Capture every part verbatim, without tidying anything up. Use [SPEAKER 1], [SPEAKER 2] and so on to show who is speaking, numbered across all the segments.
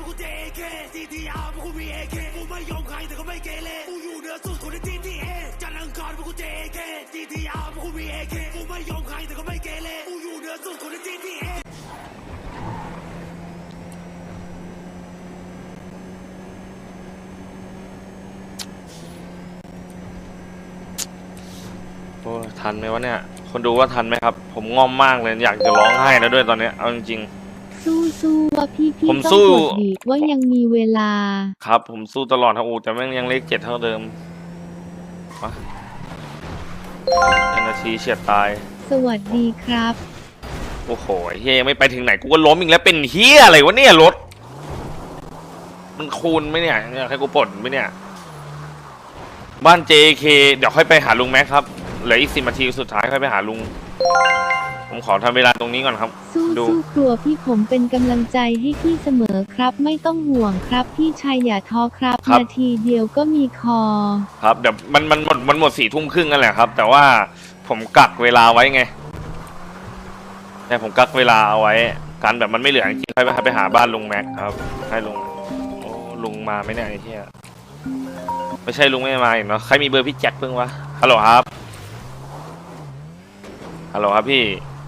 [SPEAKER 1] กูเจเคซีทีอาร์พวกกูมีเอเคกูไม่ยอมใครแต่ก็ไม่เกเรกูอยู่เหนือสุดคนในทีทีเอจันทร์อังคารพวกกูเจเคซีทีอาร์พวกกูมีเอเคกูไม่ยอมใครแต่ก็ไม่เกเรกูอยู่เหนือสุดคนในทีทีเอ
[SPEAKER 2] โอ้ทันไหมวะเนี่ยคนดูว่าทันไหมครับผมง่อมมากเลยอยากจะร้องไห้แล้วด้วยตอนนี้เอาจริง
[SPEAKER 3] ๆสู้สู้ว่าพี่พี่
[SPEAKER 2] ผม
[SPEAKER 3] ต้อง
[SPEAKER 2] สู้
[SPEAKER 3] กดดีว่ายังมีเวลา
[SPEAKER 2] ครับผมสู้ตลอดครับอูแต่แม่งยังเลขเจ็ดเท่าเดิมมานาทีเฉียดตาย
[SPEAKER 3] สวัสดีครับ
[SPEAKER 2] โอ้โหเฮียยังไม่ไปถึงไหนกูก็ล้มอีกแล้วเป็นเฮียอะไรวะเนี่ยรถมันคูณไหมเนี่ยอยากให้กูปลดไหมเนี่ยบ้าน เจ เค เดี๋ยวค่อยไปหาลุงแม็กครับเหลืออีกสิบนาทีสุดท้ายค่อยไปหาลุงผมขอทำเวลาตรงนี้ก่อนครับ
[SPEAKER 3] สู้สู้ครัวพี่ผมเป็นกำลังใจให้พี่เสมอครับไม่ต้องห่วงครับพี่ชายอย่าท้อครับนาทีเดียวก็มีคอ
[SPEAKER 2] ครับเดี๋ยวมันมันหมดมันหมดสี่ทุ่มครึ่งกันแหละครับแต่ว่าผมกักเวลาไว้ไงแต่ผมกักเวลาเอาไว้การแบบมันไม่เหลือจริงๆค่อยไปหาบ้านลุงแม็กครับให้ลุงโอ้ลุงมาไหมเนี่ยไอ้เหี้ยไม่ใช่ลุงไม่มาอีกเนาะใครมีเบอร์พี่แจ็คเพิ่งวะฮัลโหลครับฮัลโหลครับพี่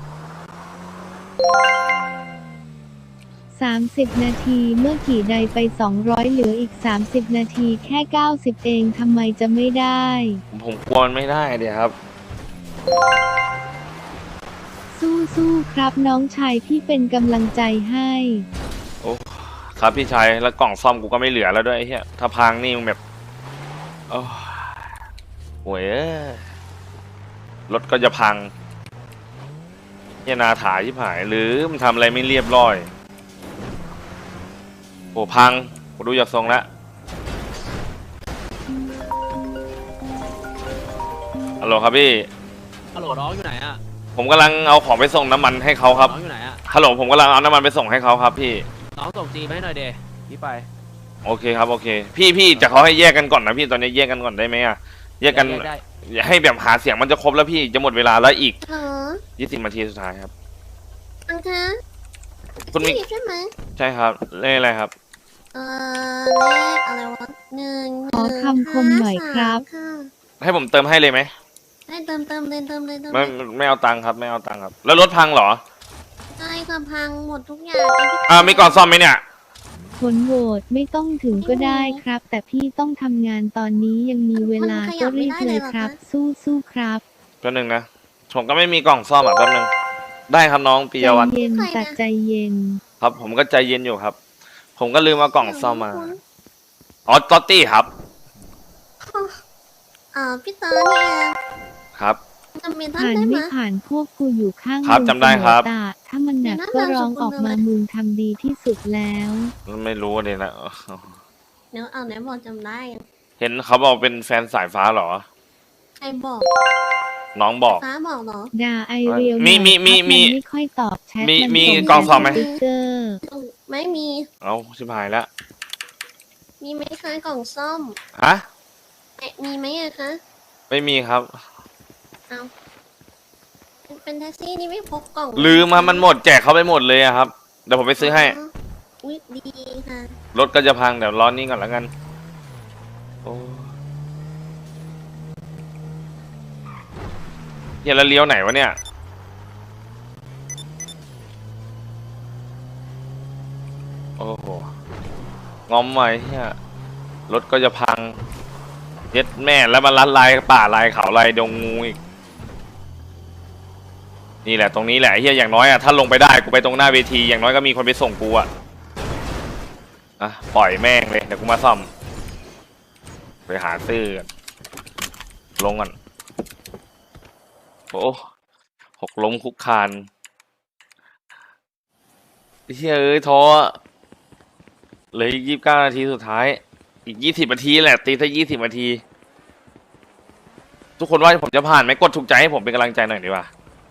[SPEAKER 3] สามสิบนาทีเมื่อกี่ใดไปสองร้อยเหลืออีกสามสิบนาทีแค่เก้าสิบเองทำไมจะไม่ได้
[SPEAKER 2] ผมกลัวมันไม่ได้เดี๋ยวครับ
[SPEAKER 3] สู้สู้ครับน้องชายพี่เป็นกำลังใจให้
[SPEAKER 2] โอ้ครับพี่ชายแล้วกล่องซ่อมกูก็ไม่เหลือแล้วด้วยไอ้เหี้ยถ้าพังนี่มึงแบบโอ้โหยรถก็จะพังเฮียนาถาชิบหายหรือมันทำอะไรไม่เรียบร้อยโอ้พังกูดูจากทรงแล้วฮัลโหลครับพี่
[SPEAKER 4] ฮัลโหลน้องอยู่ไหนอะ
[SPEAKER 2] ผมกำลังเอาของไปส่งน้ำมันให้เขาครับ
[SPEAKER 4] น้องอยู่ไหนอะ
[SPEAKER 2] ฮัลโหลผมกำลังเอาน้ำมันไปส่งให้เขาครับพี่
[SPEAKER 4] น้องส่งจีไปให้หน่อยเดพี่ไป
[SPEAKER 2] โอเคครับโอเคพี่พี่จะเขาให้แยกกันก่อนนะพี่ตอนนี้แยกกันก่อนได้ไหมอะแยกกันอย่าให้แบบหาเสียงมันจะครบแล้วพี่จะหมดเวลาแล้วอีกยี่สิบนาทีสุดท้ายครับ
[SPEAKER 5] อังคะ
[SPEAKER 2] คุณมี
[SPEAKER 5] ใช่ไหม
[SPEAKER 2] ใช่ครับเลขอะไรครับ
[SPEAKER 5] เออเลขอะไรวะหนึ่ง
[SPEAKER 3] ขอคำคมหน่อยครับ
[SPEAKER 2] ให้ผมเติมให้เลยไหม
[SPEAKER 5] ให้เติมเติมเลยเติมเลยเติม
[SPEAKER 2] ไม่ไม่เอาตังค์ครับไม่เอาตังค์ครับแล้วรถพังเหรอ
[SPEAKER 5] ใช่ค่ะพังหมดทุกอย่าง
[SPEAKER 2] อ่ามีกล่องซ่อมไหมเนี่ย
[SPEAKER 3] ผลโหวตไม่ต้องถึงก็ได้ครับแต่พี่ต้องทำงานตอนนี้ยังมีเวลาก็รีบเลยครับสู้สู้ครับ
[SPEAKER 2] แป๊บนึงนะผมก็ไม่มีกล่องซ่อมอ่ะแป๊บนึงได้ครับน้องปิยวัฒน์
[SPEAKER 3] ใจเย็นแต่ใจเย็น
[SPEAKER 2] ครับผมก็ใจเย็นอยู่ครับผมก็ลืมเอากล่องซ่อมมาอ๋อตอตตี้ครับ
[SPEAKER 5] อ่าพี่ตาเนี่ย
[SPEAKER 2] ครับ
[SPEAKER 3] ผ่านไม่ผ่านพวกกูอยู่ข้าง
[SPEAKER 2] ครับจำได้ครับ
[SPEAKER 3] ถ้ามันหนักก็ร้องออกมามึงทำดีที่สุดแล้ว
[SPEAKER 2] ไม่รู้เลยนะ
[SPEAKER 5] เดี๋ยวเอาไหนบอกจำได้
[SPEAKER 2] เห็นเขาบอกเป็นแฟนสายฟ้าเหรอ
[SPEAKER 5] ใครบอก
[SPEAKER 2] น้องบอก
[SPEAKER 5] ฟ้าบอกเหรอ
[SPEAKER 3] ด่าไอเรียว
[SPEAKER 2] มีมีมีมี
[SPEAKER 3] ไม่ค่อยตอบแชท
[SPEAKER 2] มีมีกล่องซ่อมไหม
[SPEAKER 5] ไม่มี
[SPEAKER 2] เอาชิบหายแล้ว
[SPEAKER 5] มีไหมคะกล่องซ่อม
[SPEAKER 2] ฮะ
[SPEAKER 5] มีไหมอะคะ
[SPEAKER 2] ไม่มีครับ
[SPEAKER 5] เอาเป็นแท็กซี่นี่ไม่พกกล่อง
[SPEAKER 2] ลืมมามันหมดแจกเขาไปหมดเลยครับเดี๋ยวผมไปซื้อให้
[SPEAKER 5] อุ๊ยดีค่ะ
[SPEAKER 2] รถก็จะพังเดี๋ยวร้อนนี้ก่อนแล้วกันโอ้เฮียแล้วเลี้ยวไหนวะเนี่ยโอ้โหงอมไว้เฮียรถก็จะพังเย็ดแม่แล้วมันลัดลายป่าลายเขาลายดงงูอีกนี่แหละตรงนี้แหละเฮียอย่างน้อยอะถ้าลงไปได้กูไปตรงหน้าเวทีอย่างน้อยก็มีคนไปส่งกูอะอ่ะปล่อยแม่งเลยเดี๋ยวกูมาซ่อมไปหาซื้อลงก่อนโอ้หกล้มคุกคานเฮียเอ้ยท้อเลยยี่สิบเก้านาทีสุดท้ายอีกยี่สิบนาทีแหละตีซะยี่สิบนาทีทุกคนว่าผมจะผ่านไหมกดถูกใจให้ผมเป็นกำลังใจหน่อยดีกว่า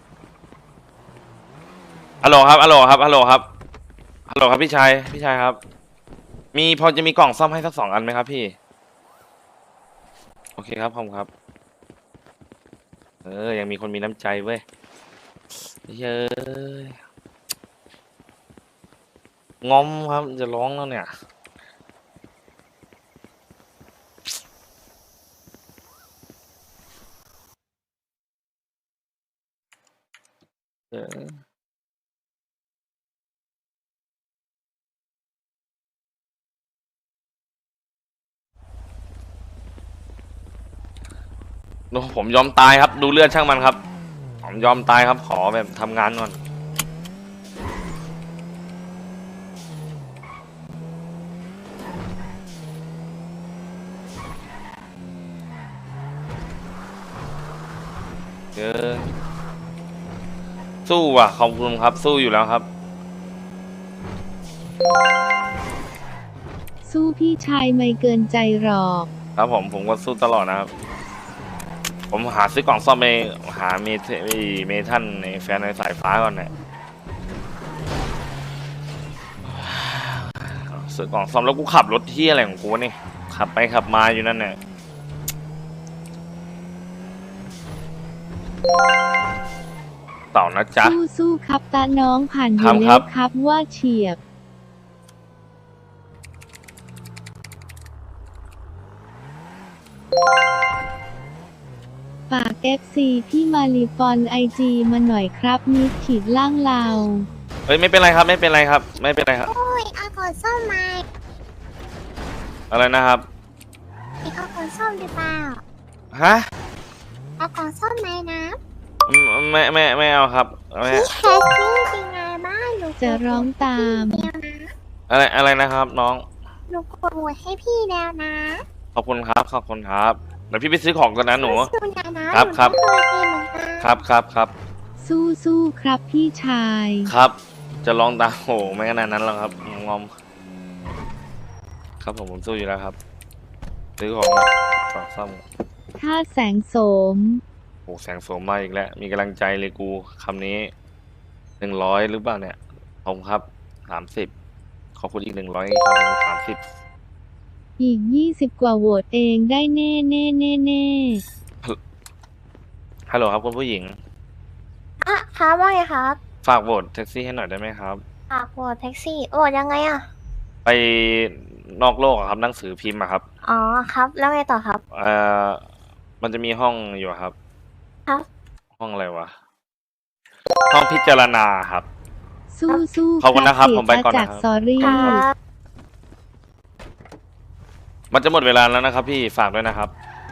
[SPEAKER 2] ฮัลโหลครับฮัลโหลครับฮัลโหลครับฮัลโหลครับพี่ชายพี่ชายครับมีพอจะมีกล่องซ่อมให้สักสองอันไหมครับพี่โอเคครับผมครับเออยังมีคนมีน้ำใจเว้ยเย้ยงอมครับจะร้องแล้วเนี่ยเออโอ้ผมยอมตายครับ ดูเลือดช่างมันครับ ผมยอมตายครับขอแบบทำงานก่อนเออสู้อ่ะขอบคุณครับ สู้อยู่แล้วครับ
[SPEAKER 3] สู้พี่ชายไม่เกินใจหรอก
[SPEAKER 2] ครับผมผมก็สู้ตลอดนะครับ ผมหาซื้อกล่องซ่อมไปหาเมทเมทันในแฟนในสายฟ้าก่อนเนี่ยซื้อกล่องซ่อมแล้วกูขับรถที่อะไรของกูนี่ขับไปขับมาอยู่นั่นเนี่ยเต่านะจ๊ะ
[SPEAKER 3] สู้สู้ครับตาน้องผ่านอ
[SPEAKER 2] ครั
[SPEAKER 3] ยู่
[SPEAKER 2] บครั
[SPEAKER 3] แล้ว
[SPEAKER 2] บ
[SPEAKER 3] ครับว่าเฉียบฝาก เอฟ ซี พี่มาลีฟอนไอจีมาหน่อยครับนิดขีดล่างเรา
[SPEAKER 2] เอ้ยไม่เป็นไรครับไม่เป็นไรครับ ไม่เป็นไรครับ
[SPEAKER 5] โอ้ยเอาขอส้มมา
[SPEAKER 2] อะไรนะครับ
[SPEAKER 5] อีกเอาขอส้มหรือเปล่า
[SPEAKER 2] ฮะ
[SPEAKER 5] เอาขอส้มไหมนะ
[SPEAKER 2] อืมไม่ไม่ไม่เอาครับไม่
[SPEAKER 5] พี่แคสซี่เป็นไงบ้างหนู
[SPEAKER 3] จะร้องตาม
[SPEAKER 5] เดียวนะ
[SPEAKER 2] อะไรอะไรนะครับ น้อง
[SPEAKER 5] หนูกดโหวตให้พี่แล้วนะ
[SPEAKER 2] ขอบคุณครับขอบคุณครับเดี๋ยวพี่ไปซื้อของก่อนนะหนู
[SPEAKER 5] สู้นะนะครับ
[SPEAKER 2] ครับ
[SPEAKER 5] หนูก็เคยเป็นเหมือนกัน
[SPEAKER 2] ครับครับครับ
[SPEAKER 3] สู้สู้ครับพี่ชาย
[SPEAKER 2] ครับ จะลองตามโหไม่ขนาดนั้นหรอกครับงอมครับผมผมสู้อยู่แล้วครับซื้อของฝากซ่อม
[SPEAKER 3] ถ้าแสงโสม
[SPEAKER 2] โอ้แสงโสมมาอีกแล้ว มีกำลังใจเลยกูคำนี้หนึ่งร้อยหรือเปล่าเนี่ยผมครับสามสิบขอบคุณอีกหนึ่งร้อยสามสิบ
[SPEAKER 3] อีกยี่สิบกว่าโหวตเองได้แน่แน่แน่แน่
[SPEAKER 2] ฮัลโหลครับคุณผู้หญิง
[SPEAKER 5] อ่ะครับว่าไงครับ
[SPEAKER 2] ฝากโหวตแท็กซี่ให้หน่อยได้ไหมครับ
[SPEAKER 5] ฝากโหวตแท็กซี่โหวตยังไงอ่ะ
[SPEAKER 2] ไปนอกโลกอะครับหนังสือพิมพ์อะครับ
[SPEAKER 5] อ๋อครับแล้วไงต่อครับ
[SPEAKER 2] เอ่อมันจะมีห้องอยู่ครับ
[SPEAKER 5] ครับ
[SPEAKER 2] ห้องอะไรวะ ห้องพิจารณาครับ
[SPEAKER 3] สู้สู้
[SPEAKER 2] ขอบคุณนะครับ
[SPEAKER 3] เสีย
[SPEAKER 2] ผมไปก่อน
[SPEAKER 3] จาก
[SPEAKER 2] นะครับ
[SPEAKER 3] สอรี่
[SPEAKER 5] ครับ
[SPEAKER 2] มันจะหมดเวลาแล้วนะครับ พี่ฝากด้วยนะครับ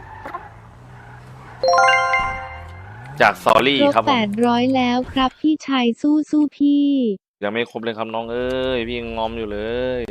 [SPEAKER 2] จากซอรี่
[SPEAKER 3] ครบ
[SPEAKER 2] ครับผ
[SPEAKER 3] แป
[SPEAKER 2] ม
[SPEAKER 3] ดร้อยแล้วครับพี่ชายสู้สู้พี่
[SPEAKER 2] ยังไม่ครบเลยครับน้องเอ้ยพี่ยังงอมอยู่เลย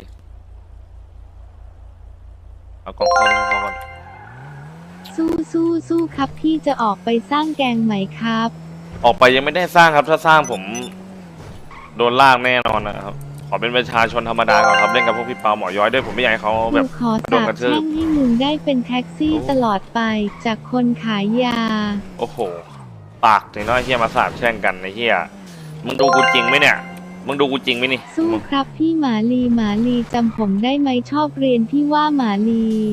[SPEAKER 2] เอากล่องเข้าไปให้เขาก่อน
[SPEAKER 3] สู้สู้สู้ครับพี่จะออกไปสร้างแกงไหมครับ
[SPEAKER 2] ออกไปยังไม่ได้สร้างครับ ถ้าสร้างผมโดนลากแน่นอนนะครับ ขอเป็นประชาชนธรรมดาก่อนครับเล่นกับพวกพี่เปาหมอย้อยด้วยผมไม่อยากให้เขาแบ
[SPEAKER 3] กู
[SPEAKER 2] บ
[SPEAKER 3] ขอ
[SPEAKER 2] โดน
[SPEAKER 3] สาบ
[SPEAKER 2] กระทืบ
[SPEAKER 3] แช่งให้มึงได้เป็นแท็กซี่
[SPEAKER 2] โอ้
[SPEAKER 3] ตลอดไปจากคนขายยา
[SPEAKER 2] โอ้โห ปากถึงน้อยเฮียมาสาบแช่งกันไอ้เฮียมึงดูกูจริงไหมเนี่ย มึงดูกูจริงไหมนี่
[SPEAKER 3] สู้ครับพี่หมาลีหมาลีจำผมได้ไหมชอบเรียนพี่ว่าหมาลี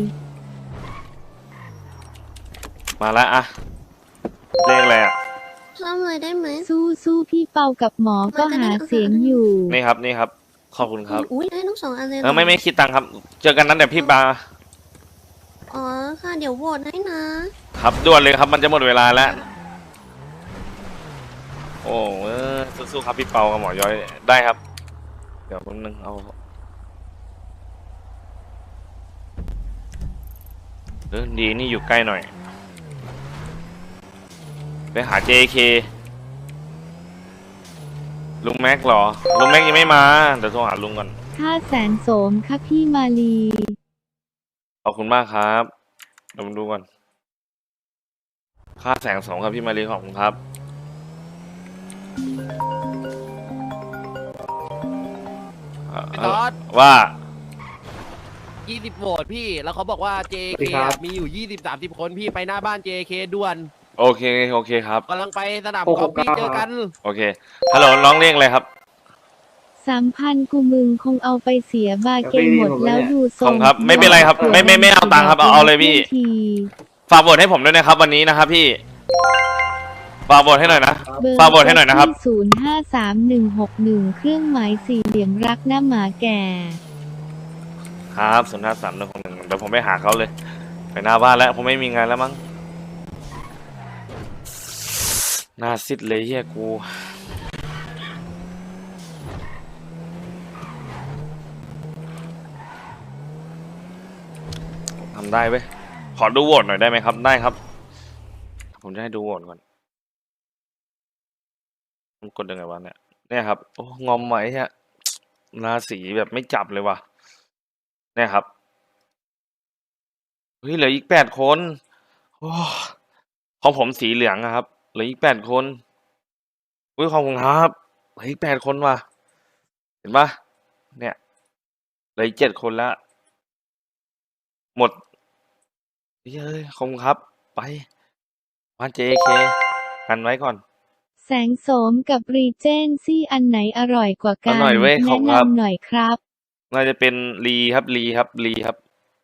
[SPEAKER 2] มาแล้วอะเลขอะไรอะ
[SPEAKER 5] เริ่มเลยได้ไหม
[SPEAKER 3] สู้สู้พี่เปากับหมอก็หาเสียงอยู่
[SPEAKER 2] นี่ครับนี่ครับ ขอบคุณครับ
[SPEAKER 5] อุ้ยได้ทั้งสองอันเลยหร
[SPEAKER 2] เออไม่ไม่คิดตังค์ครับ เจอกันนั้นเดี๋ยวพี่บา
[SPEAKER 5] อ๋อค่ะเดี๋ยวโหวตให้นะ
[SPEAKER 2] ครับด่วนเลยครับ มันจะหมดเวลาแล้ว โอ้เออสู้ๆครับพี่เปากับหมอย้อยได้ครับ เดี๋ยวมึงนึงเอาเออดีนี่อยู่ใกล้หน่อย ไปหา เจ เค ลุงแม็กเหรอ ลุงแม็กยังไม่มา เดี๋ยวโทรหาลุงก่อน
[SPEAKER 3] ค่าแสนโสมครับพี่มาลี
[SPEAKER 2] ขอบคุณมากครับเดี๋ยวมาดูก่อน ค่าแสงสองครับพี่มารีขอบคุณครับ
[SPEAKER 4] พี่ตอด
[SPEAKER 2] ว่า
[SPEAKER 4] ยี่สิบโหวตพี่ แล้วเขาบอกว่า เจ เค มีอยู่ยี่สิบ สามสิบคนพี่ไปหน้าบ้าน เจ เค ด่วน
[SPEAKER 2] โอเคโอเคครับ
[SPEAKER 4] กำลังไปสนามกอล์ฟพี่เจอกัน
[SPEAKER 2] โอเคฮัลโหลน้องเรียกอะไรครับ
[SPEAKER 3] สามพันกูมึงคงเอาไปเสียบาเกงหมดแล้วดูท
[SPEAKER 2] ข
[SPEAKER 3] ร
[SPEAKER 2] อบ
[SPEAKER 3] ง
[SPEAKER 2] คุณครับไม่เป็นไรครับไม่ไม่ไม่เอาตังค์ครับเอาเอาเลยพี่
[SPEAKER 3] ที
[SPEAKER 2] ฝากบทให้ผมด้วยนะครับ วันนี้นะครับพี่ ฝฝากบทให้หน่อยนะ
[SPEAKER 3] เบอร์
[SPEAKER 2] ฝากบทให้หน่อยนะครับ
[SPEAKER 3] ศูนย์ห้าสามหนึ่งหกหนึ่งเครื่องหมายสี่เหลี่ยมรักหน้าหมาแก่
[SPEAKER 2] ครับศูนย์ห้าสามหนึ่งหกหนึ่งเดี๋ยวผมไปหาเขาเลย ไปหน้าบ้านแล้วผมไม่มีงานแล้วมั้งหน้าซิดเลยเฮียกูทำได้เว้ยขอดูโหวตหน่อยได้ไหมครับได้ครับผมจะให้ดูโหวตก่อนมันกดยังไงวะเนี่ยเนี่ยครับโอ้งอมไหมฮะราศีแบบไม่จับเลยว่ะเนี่ยครับเฮ้ยเหลืออีกแปดคนโอ้ของผมสีเหลืองอะครับเหลืออีกแปดคนอุ้ยขอบคุณครับเหลืออีกแปดคนว่ะเห็นปะเนี่ยเหลืออีกเจ็ดคนแล้วหมดเฮ้ยขอบคุณครับไปบ้าน เจ เค กันไว้ก่อน
[SPEAKER 3] แสงโสมกับรีเจนซี่อันไหนอร่อยกว่ากั
[SPEAKER 2] เอา
[SPEAKER 3] น
[SPEAKER 2] หน่อยเว้ยขอบ
[SPEAKER 3] แนะ
[SPEAKER 2] คุณครับ
[SPEAKER 3] นำหน่อยครับ
[SPEAKER 2] น่าจะเป็นลีครับลีครับลีครับ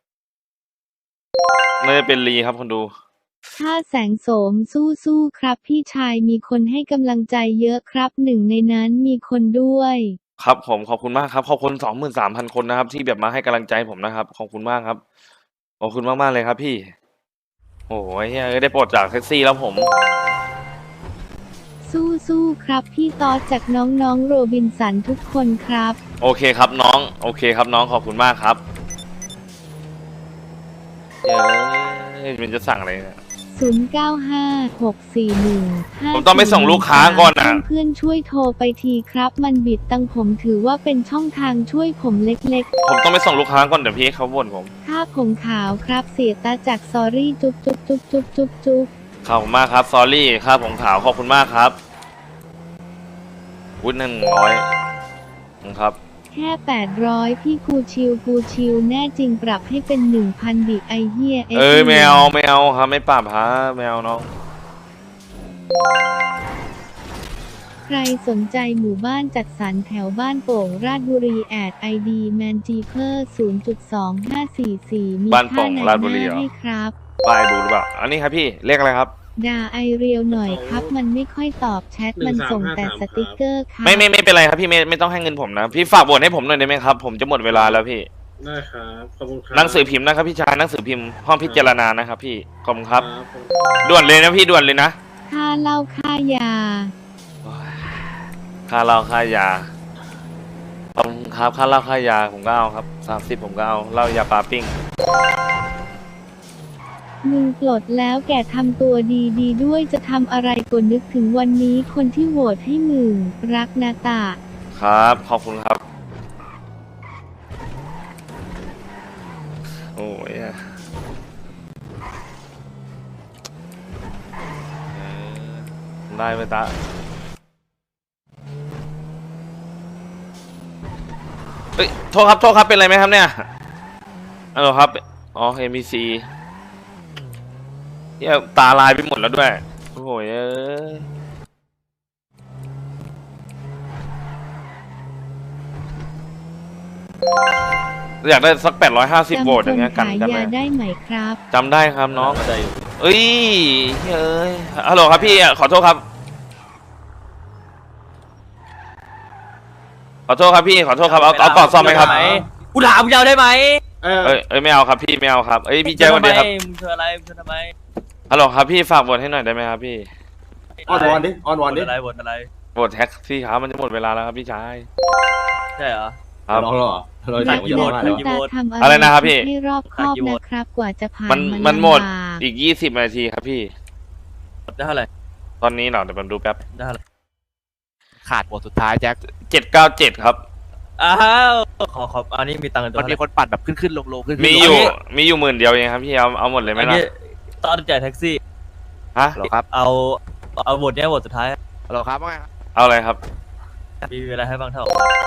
[SPEAKER 2] น่าจะเป็นลีครับคนดู
[SPEAKER 3] ถ้าแสงโสมสู้ๆครับพี่ชายมีคนให้กำลังใจเยอะครับหนึ่งในนั้นมีคนด้วย
[SPEAKER 2] ครับผมขอบคุณมากครับขอบคุณสองหมื่นสามพันคนนะครับ ที่แบบมาให้กำลังใจผมนะครับขอบคุณมากครับขอบคุณมากมากๆเลยครับพี่โอ้ยเฮ้ยได้ปลดจากแท็กซี่แล้วผม
[SPEAKER 3] สู้ๆครับพี่ตอดจากน้องๆโรบินสันทุกคนครับ
[SPEAKER 2] โอเคครับน้องโอเคครับน้องขอบคุณมากครับเฮ้ยมันจะสั่งอะไรเนี่ย
[SPEAKER 3] ศูนย์ เก้า ห้า หก สี่ หนึ่ง ห้า
[SPEAKER 2] ผมต้องไปส่งลูกค้าก่อนนะ
[SPEAKER 3] เพื่อนๆช่วยโทรไปทีครับมันบิดตังผมถือว่าเป็นช่องทางช่วยผมเล็ก
[SPEAKER 2] ผมต้องไปส่งลูกค้าก่อนเดี๋ยวพี่เขาบ่นผม
[SPEAKER 3] ๆค่าผมขาวครับเสียตาจากซอรี่จุ๊บจุ๊บจุ๊บจุ๊บจุ๊บจุ๊บ
[SPEAKER 2] ขอบคุณมากครับซอรี่ค่าผมขาวขอบคุณมากครับวุ้นหนึ่งร้อยครับ
[SPEAKER 3] แค่แปดร้อยพี่กูชิวกูชิวแน่จริงปรับให้เป็น หนึ่งพัน ดิไอเฮีย
[SPEAKER 2] เอ้ยไม่เอาไม่เอาครับไม่ปรับฮะไม่เอาน้อง
[SPEAKER 3] ใครสนใจหมู่บ้านจัดสรรแถวบ้านโป่งราชบุรีแอดไอดีแมนจีเพอร์ ศูนย์จุดสองห้าสี่สี่ มี
[SPEAKER 2] บ้านโป่
[SPEAKER 3] ค่าง ไหน
[SPEAKER 2] ราชบุ
[SPEAKER 3] ห
[SPEAKER 2] รี
[SPEAKER 3] น้า
[SPEAKER 2] เหรอ
[SPEAKER 3] ให้ครับ
[SPEAKER 2] ป้ายดูหรือเปล่าอันนี้ครับพี่เลขอะไรครับ
[SPEAKER 3] ด่าไอเรียวหน่อยครับ มันไม่ค่อยตอบแชท มันส่งแต่สติกเกอร์ครับ
[SPEAKER 2] ไม่ไม่ไม่เป็นไรครับพี่ไม่ไม่ต้องให้เงินผมนะพี่ฝากบทให้ผมหน่อยได้ไหมครับผมจะหมดเวลาแล้วพี่
[SPEAKER 6] ได้ครับขอบคุณครับ
[SPEAKER 2] หนังสือพิมพ์นะครับพี่ชายหนังสือพิมพ์ห้องพิจารณานะครับพี่ขอบคุณครับ
[SPEAKER 6] ครับผม
[SPEAKER 2] ด่วนเลยนะพี่ด่วนเลยนะ
[SPEAKER 3] ค่าเหล้าค่ายา
[SPEAKER 2] ค่าเหล้าค่ายาขอบคุณครับค่าเหล้าค่ายาผมก็เอาครับสามสิบผมก็เอาเหล้ายาปลาปิ้ง
[SPEAKER 3] มึงปลดแล้วแกทำตัวดีดีๆด้วยจะทำอะไรก็นึกถึงวันนี้คนที่โหวตให้มึง รักนาตา
[SPEAKER 2] ครับขอบคุณครับโอ้ยอะเออได้ไหมตาเฮ้ยโทษครับโทษครับเป็นไรไหมครับเนี่ยฮัลโหลครับอ๋อ เอ็ม บี ซี เนี่ยตาลายไปหมดแล้วด้วยโอ้โหเอ้ยอยากได้สักแปดร้อยห้าสิบโวลต์อย่างเงี้ยกัน
[SPEAKER 3] จำคน
[SPEAKER 2] กัน
[SPEAKER 3] ขาย
[SPEAKER 2] ไหม
[SPEAKER 3] ยาได้ไหมครับ
[SPEAKER 2] จำได้ครับน้องเอ้ยเอ้ยฮัลโหลครับพี่ขอโทษครับขอโทษครับพี่ขอโทษครับเอาเอากล่องซ่อมไหมครับ
[SPEAKER 7] กูถามมึงจะเอาได้ไหม
[SPEAKER 6] เออ
[SPEAKER 2] เอ้ยเอ้ยไม่เอาครับพี่ไม่เอาครับเอ้ยพี่แจ้งวันดีครับ
[SPEAKER 7] มึงเธออะไรมึงเธอทำไม
[SPEAKER 2] ฮัลโหลครับพี่ฝากบทให้หน่อยได้ไหมครับพี่
[SPEAKER 6] ออนวอนดิออนวอนดิ
[SPEAKER 7] อะไรบทอะไร
[SPEAKER 2] บทแท็กซี่ครับมันจะหมดเวลาแล้วครับพี่ชาย
[SPEAKER 7] ใช่เหรอ
[SPEAKER 2] ครับ
[SPEAKER 6] ร้องหรอเรา
[SPEAKER 7] ตั
[SPEAKER 6] เดี๋
[SPEAKER 7] ด
[SPEAKER 6] ยว
[SPEAKER 7] กี่
[SPEAKER 6] ไม่
[SPEAKER 7] โหว
[SPEAKER 6] ได้
[SPEAKER 7] ต
[SPEAKER 6] แล้ว
[SPEAKER 3] คุณตาทำอะไร
[SPEAKER 2] อะไรนะครับพี่
[SPEAKER 3] ให้รอบคอบ
[SPEAKER 7] กี่โหวต
[SPEAKER 3] นะครับ กว่าจะผ่าน
[SPEAKER 2] มัน
[SPEAKER 3] มา
[SPEAKER 2] มันหมด
[SPEAKER 3] ลำบาก
[SPEAKER 2] อีกยี่สิบนาทีครับพี่
[SPEAKER 7] ได้เท่าไหร่
[SPEAKER 2] ตอนนี้เหรอเดี๋ยวผมดูแป๊บ
[SPEAKER 7] ได้เท่าไหร่
[SPEAKER 4] ขาดบทสุดท้ายแจ็ค
[SPEAKER 2] เจ็ดเก้าเจ็ดครับ
[SPEAKER 7] อ้าวขอขออันนี้มีตังค์ตัว
[SPEAKER 4] มันมีคนปัดแบบขึ้นขึ้นลงลงขึ้นขึ้น
[SPEAKER 2] มีอยู่มีอยู่หมื่นเดียวเองครับพี่เอาเอาหมดเลยไหม
[SPEAKER 7] อัน
[SPEAKER 2] ล่ะ
[SPEAKER 7] นี้ตอนจ่ายแท็กซี่
[SPEAKER 2] ฮะ
[SPEAKER 4] เหรอครับ
[SPEAKER 7] เอาเอาบทเนี้ยบทสุดท้าย
[SPEAKER 4] เหรอครับว่าไงครับ
[SPEAKER 2] เอาอะไรครับ
[SPEAKER 7] มีเวลาให้บ้างเท่า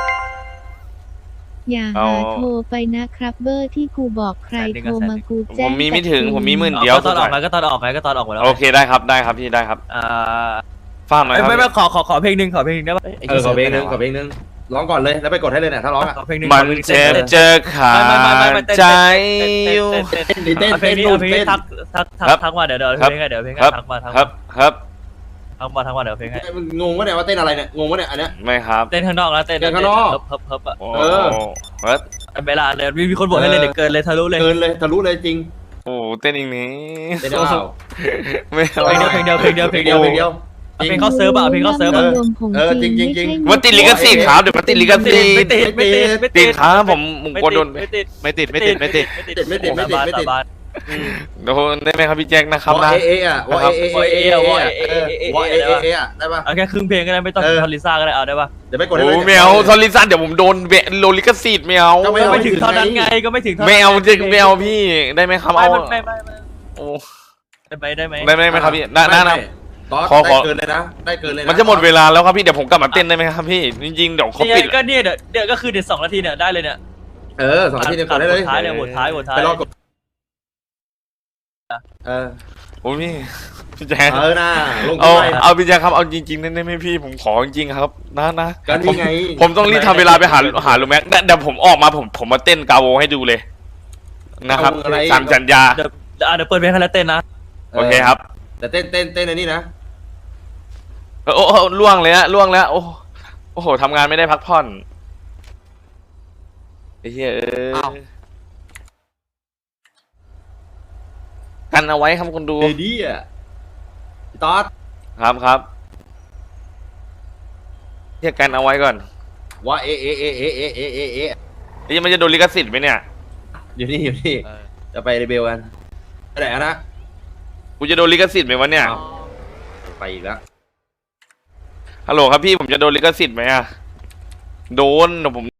[SPEAKER 3] อย่า
[SPEAKER 2] เอา
[SPEAKER 3] หาโทรไปนะครับเบอร์ที่กูบอกใครโทรมากู
[SPEAKER 2] ผ
[SPEAKER 3] แจ้ง
[SPEAKER 2] มมีไม่ถึง
[SPEAKER 3] แต่
[SPEAKER 2] ผมมีหมื่น
[SPEAKER 7] เอา
[SPEAKER 2] เดียว
[SPEAKER 7] ก็ตอนออกไงก็ตอนออกไงก็ตอนออกหมดแล้ว
[SPEAKER 2] โอเคได้ครับได้ครับพี่ได้ครับ
[SPEAKER 7] อ่า
[SPEAKER 2] ฟังหน่อยครับ
[SPEAKER 7] ไม่ไม่ขอขอขอเพลงหนึ่งขอเพลงหนึ่งได้ปะ
[SPEAKER 6] เออขอเพลงนึงขอเพลงนึงร้องก่อนเลยแล้วไปกดให้เลยเนี่ยถ้าร้องอ่ะ
[SPEAKER 7] ขอเพลงหนึ่ง
[SPEAKER 2] มันเจ็บเจอขาดใจอยู่
[SPEAKER 6] เต้น
[SPEAKER 7] เอาเพล
[SPEAKER 6] เต้
[SPEAKER 7] ง
[SPEAKER 6] น
[SPEAKER 7] นี้
[SPEAKER 6] นู่
[SPEAKER 7] เอา
[SPEAKER 6] น
[SPEAKER 7] เพลง
[SPEAKER 6] เต้
[SPEAKER 7] นี้
[SPEAKER 6] น
[SPEAKER 7] ทักทักทัก
[SPEAKER 2] ครับ
[SPEAKER 7] ทักมาเดี๋ยวเดี๋ยว
[SPEAKER 2] ครับ
[SPEAKER 7] เพลงไงเดี๋ยวเพลงไง
[SPEAKER 2] ครับ
[SPEAKER 7] ทักมาทัก
[SPEAKER 2] ครั
[SPEAKER 7] มา
[SPEAKER 2] บครับ
[SPEAKER 7] ทั้งวันทั้งวันเดี๋ยวเพลงให้
[SPEAKER 6] มึงงงวะเนี่ยว่าเต้นอะไรเนี่ยงงวะเนี่ยอันเนี้ย
[SPEAKER 2] ไม่ครับ
[SPEAKER 7] เต้นข้างนอกนะเต้น
[SPEAKER 6] เต้นข้างนอก
[SPEAKER 7] เฮิบเฮิบเฮิบอะ
[SPEAKER 2] โอ้
[SPEAKER 6] เออ
[SPEAKER 2] เฮ้ย
[SPEAKER 7] เวลาเลยมีมีคนบอกให้เลยเดี๋ยวเกินเลยทะลุเลย
[SPEAKER 6] เกินเลยทะลุเลยจริง
[SPEAKER 2] โอ้เต้นอีกนี้
[SPEAKER 6] เต้นได้เปล่า
[SPEAKER 2] ไม่เอา
[SPEAKER 7] เพลงเดียวเพลงเดียวเพลงเดียวเพลงเดียว
[SPEAKER 6] เพลงเดียว
[SPEAKER 7] เพลงเข้าเซิร์ฟอะเพลงเข้าเซิร์ฟอะ
[SPEAKER 3] รวมของ
[SPEAKER 6] เออ
[SPEAKER 3] จริง
[SPEAKER 6] จริงๆจริงๆ
[SPEAKER 3] ไม่ใช่
[SPEAKER 2] มันติดลิขสิทธิ์ครับเดี๋ยวมันติดลิขสิทธิ์
[SPEAKER 7] ไม่ติดไม่ติดไม่
[SPEAKER 2] ติ
[SPEAKER 7] ติ
[SPEAKER 2] ด
[SPEAKER 7] ด
[SPEAKER 2] ครับผมผมกลัวโดน
[SPEAKER 7] ไม่ติด
[SPEAKER 4] ไม่ติดไม่ติดไม่ติด
[SPEAKER 7] ไม่ติด
[SPEAKER 6] ไม่ติดไม่ติดไม่ติด
[SPEAKER 7] สาบาน
[SPEAKER 2] โดนได้ไหมครับพี่แจ็คนะครับ
[SPEAKER 6] วอ
[SPEAKER 2] นะ
[SPEAKER 6] เอเออะวอเอเอเอเอวอเอเอเออะได้ปะ
[SPEAKER 7] เอาแค่ครึ่งเพลงก็ได้ไม่ต้อง
[SPEAKER 6] เออ
[SPEAKER 7] ทอลิซ่าก็ได้เอาได้ปะ
[SPEAKER 6] เดี๋ยวไปกดให้
[SPEAKER 2] โอ้
[SPEAKER 6] เลย
[SPEAKER 2] ไม่เอาทอริซันเดี๋ยวผมโดนเบะโลลิขสิทธิ์ไม่เอา
[SPEAKER 6] ก็ไม่
[SPEAKER 7] ก็
[SPEAKER 6] เอา
[SPEAKER 7] ไม่ถึงเท่านั้นไงก็ไม่ถึงเท่านั้น
[SPEAKER 2] ไม่เอาจะไม่เอาพี่ได้ไหมครับ
[SPEAKER 7] ไม่
[SPEAKER 2] เอา
[SPEAKER 7] ไม่ไม่ไม่
[SPEAKER 2] โอ้
[SPEAKER 7] ได้ไหมได้ไหม
[SPEAKER 2] ได้ไหมครับพี่ได้ได้นะ
[SPEAKER 6] ตอส
[SPEAKER 2] ขอขอ
[SPEAKER 6] ได้เกินเลยนะได้เกินเลยนะ
[SPEAKER 2] มันจะหมดเวลาแล้วครับพี่เดี๋ยวผมกลับมาเต้นได้ไหมครับพี่จริงๆเดี๋ยวเขา
[SPEAKER 7] นี่ไง
[SPEAKER 2] ปิด
[SPEAKER 7] ก็เนี่ยเดี๋ยวเดี๋ยวก็คือเดี๋ยวสองนาทีเนี่ยได้เลยเนี่ย
[SPEAKER 6] เออสองนาทีเดียวกดได้เลย
[SPEAKER 7] บทท้ายเนี่ยบทท้ายบทท้าย
[SPEAKER 6] ไปรอกดเออ
[SPEAKER 2] โอ้พี่พี่แจ็ค
[SPEAKER 6] เออหน้าลง
[SPEAKER 2] เอา
[SPEAKER 6] ทุนไป
[SPEAKER 2] เอาพี่แจ็คครับเอาจริงๆได้ไหมพี่ผมขอจริงๆครับนะนะ
[SPEAKER 6] ก็นี่ไง
[SPEAKER 2] ผมต้องรีบทำเวลาไปหาหาลุงแม็กเดี๋ยวผมออกมาผมผมมาเต้นกาโวให้ดูเลยนะครับตามสัญญา
[SPEAKER 7] เดี๋ยวเดี๋ยวอ่ะเดี๋ยวเปิดเพลงให้แล้วเต้นนะ
[SPEAKER 2] โอเคครับ
[SPEAKER 6] แต่เต้นเต้นเต้นในนี่นะ
[SPEAKER 2] โอ้โอ้ล่วงเลยฮะล่วงแล้วโอ้โอ้โหทำงานไม่ได้พักผ่อนไอ้เหี้ยเออ
[SPEAKER 4] อ้าว
[SPEAKER 2] กันเอาไว้ครับคนดู
[SPEAKER 6] เดดี้อ่ะตอส
[SPEAKER 2] ครับครับเรียกกันเอาไว้ก่อน
[SPEAKER 6] ว่าเอเอเอเอเอเอเอเอ
[SPEAKER 2] นี่มันจะโดนลิขสิทธิ์ไหมเนี่ย
[SPEAKER 6] อยู่นี่อยู่นี่จะไปเรเบลกันไปไหนอะนะ
[SPEAKER 2] กูจะโดนลิขสิทธิ์ไหมวะเนี่ย
[SPEAKER 6] อ้าวไปอีกแล้ว
[SPEAKER 2] ฮัลโหลครับพี่ผมจะโดนลิขสิทธิ์ไหมอะโดนเดี๋ยวผม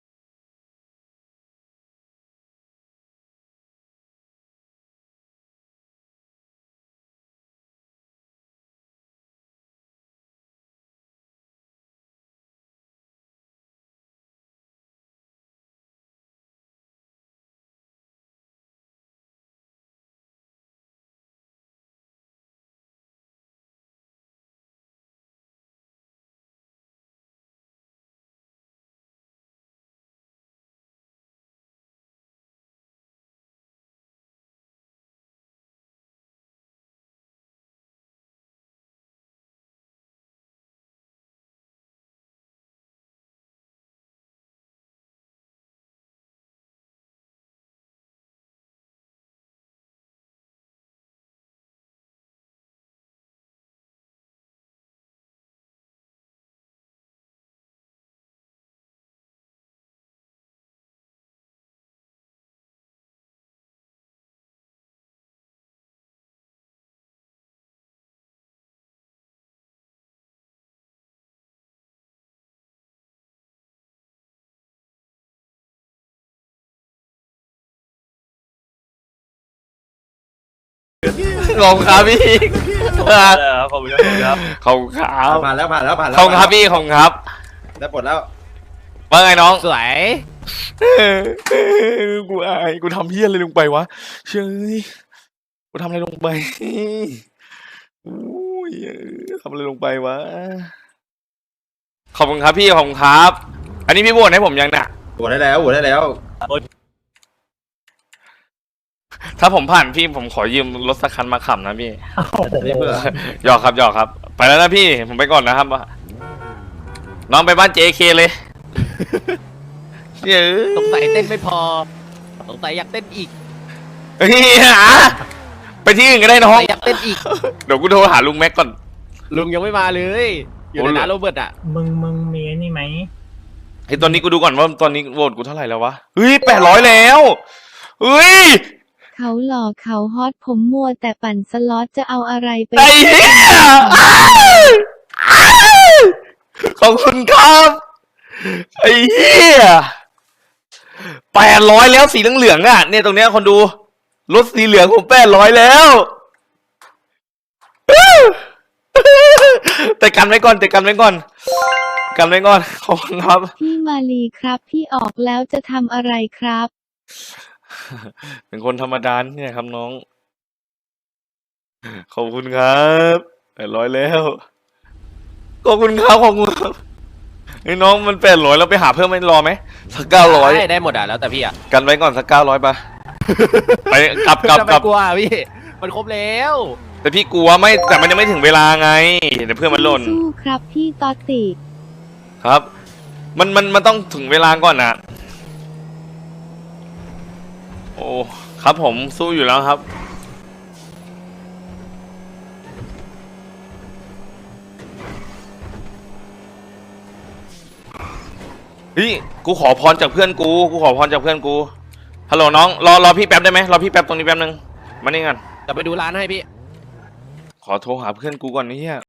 [SPEAKER 2] ขอบคุณครับพี่
[SPEAKER 7] เออขอบคุณครับ
[SPEAKER 2] ขอบคุณครับ
[SPEAKER 6] ผ่านแล้วผ่านแล้วผ่านแล้ว
[SPEAKER 2] ขอบคุณครับพี่ขอบคุณครับ
[SPEAKER 6] ได้ปลดแล้ว
[SPEAKER 2] ว่าไงน้อง
[SPEAKER 4] สวย
[SPEAKER 2] กูอายกูทำเพี้ยอะไรลงไปวะเชื่อกูทำอะไรลงไปอุ้ยทำอะไรลงไปวะขอบคุณครับพี่ขอบคุณครับ อันนี้พี่บวชให้ผมยังเนี่ย
[SPEAKER 6] ปลดได้แล้วปลดได้แล้ว
[SPEAKER 2] ถ้าผมผ่านพี่ผมขอยืมรถสักคันมาขับนะพี่
[SPEAKER 6] นี่เพื่อ
[SPEAKER 2] หยอกครับหยอกครับ ไปแล้วนะพี่ผมไปก่อนนะครับน้องไปบ้าน เจ เค เลยเฮ้ย
[SPEAKER 4] สงสัยเต้นไม่พอสงสัยอยากเต้นอีก
[SPEAKER 2] เฮ้ยหาไปที่อื่นก็ได้น้
[SPEAKER 4] ส
[SPEAKER 2] อง
[SPEAKER 4] งสัยอยากเต้นอีก
[SPEAKER 2] เดี๋ยวกูโทรหาลุงแม็กก่อน
[SPEAKER 4] ลุงยังไม่มาเลย อยู่ในร้านโรเบิร์ตอ่ะ
[SPEAKER 8] มึงมึงมีไอ้นี่ไหม
[SPEAKER 2] ไอ้ตอนนี้กูดูก่อนว่าตอนนี้โหวตกูเท่าไหร่แล้ววะเฮ้ยแปดร้อยแล้วเฮ้ย
[SPEAKER 3] เขาหล่อเขาฮอตผมมัวแต่ปั่นสล็อตจะเอาอะไรไป
[SPEAKER 2] ไอ้เหี้ยอ้าวอ้าวขอบคุณครับไอ้เหี้ยแปดร้อยแล้วสีเหลืองๆอ่ะเนี่ยตรงเนี้ยคนดูรถสีเหลืองผมแปดร้อยแล้วแต่กันไว้ก่อนแต่กันไว้ก่อนกันไว้ก่อนขอบคุณครับ
[SPEAKER 3] พี่มาลีครับ พี่ออกแล้วจะทำอะไรครับ
[SPEAKER 2] เป็นคนธรรมดาเนี่ยครับน้อง ขอบคุณครับแปดร้อยแล้ว ขอบคุณครับขอบคุณครับไอ้น้องมันแปดร้อยแล้วไปหาเพิ่มไม่รอไหมสักเก้าร้อย
[SPEAKER 4] ได้ได้หมดอ่ะแล้วแต่พี่อ่ะ
[SPEAKER 2] กันไว้ก่อนสักเก้าร้อยปะไปกลับกลับ
[SPEAKER 4] จะ
[SPEAKER 2] ก
[SPEAKER 4] ไป
[SPEAKER 2] ลับ
[SPEAKER 4] กลัวพี่ มันครบแล้ว
[SPEAKER 2] แต่พี่กลัวไม่แต่มันยังไม่ถึงเวลาไงเดี๋ยวเพื่อนมันหล่น
[SPEAKER 3] สู้ๆครับพี่ตอตติ
[SPEAKER 2] ครับ มันมันมันต้องถึงเวลาก่อนนะโอ้ครับผมสู้อยู่แล้วครับเฮ้ยกูขอพรจากเพื่อนกูกูขอพรจากเพื่อนกูฮัลโหลน้องรอรอพี่แป๊บได้ไหมรอพี่แป๊บตรงนี้แป๊บนึงมานี่กัน
[SPEAKER 4] จะไปดูร้านให้พี่
[SPEAKER 2] ขอโทรหาเพื่อนกูก่อนนี่เฮีย